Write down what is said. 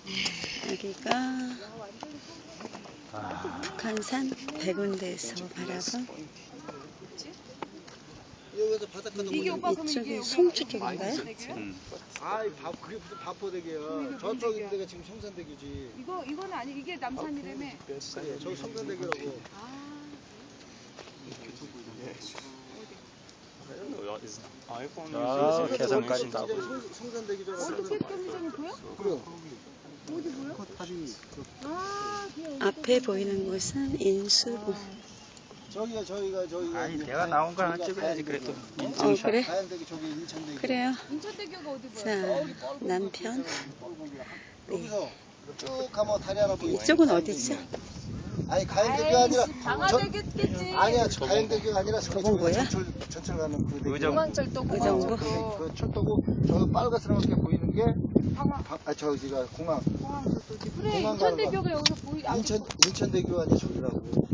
여기가 북한산 백운대에서 바라본 여기서 바닷가도 이게 오빠 그럼 이쪽이 이게 송주 쪽인가요? 아이 그게 무슨 바포대교야. 저쪽 있는 데가 지금 성산대교지. 이거는 아니 이게 남산이라며. 그래 저기 성산대교라고. 아, 개성까지 다. 성산대교잖아. 어떻게 경기장이 보여? 그래. 어디 보여? 아, 앞에 보이는 곳은 인수로. 저기가 아니, 내가 나온 걸 하나 찍어야지, 그래도. 그래? 가양대교 저기 인천대교. 그래요. 인천대교가 어디 보여? 자, 남편. 여기서 쭉 가면 다리 하나 보이지. 이쪽은 어디죠? 아니 가양대교 아니라 방화대교겠지. 아니야 가양대교가 아니라 저건 뭐야? 전철 가는 그 대교. 공항철도 의정부? 그 철도고 저 빨갛게 보이는 게 저기가 공항. 공항철도지. 그래 공항 인천대교가 여기서 보이. 인천대교 아니야 저기라고.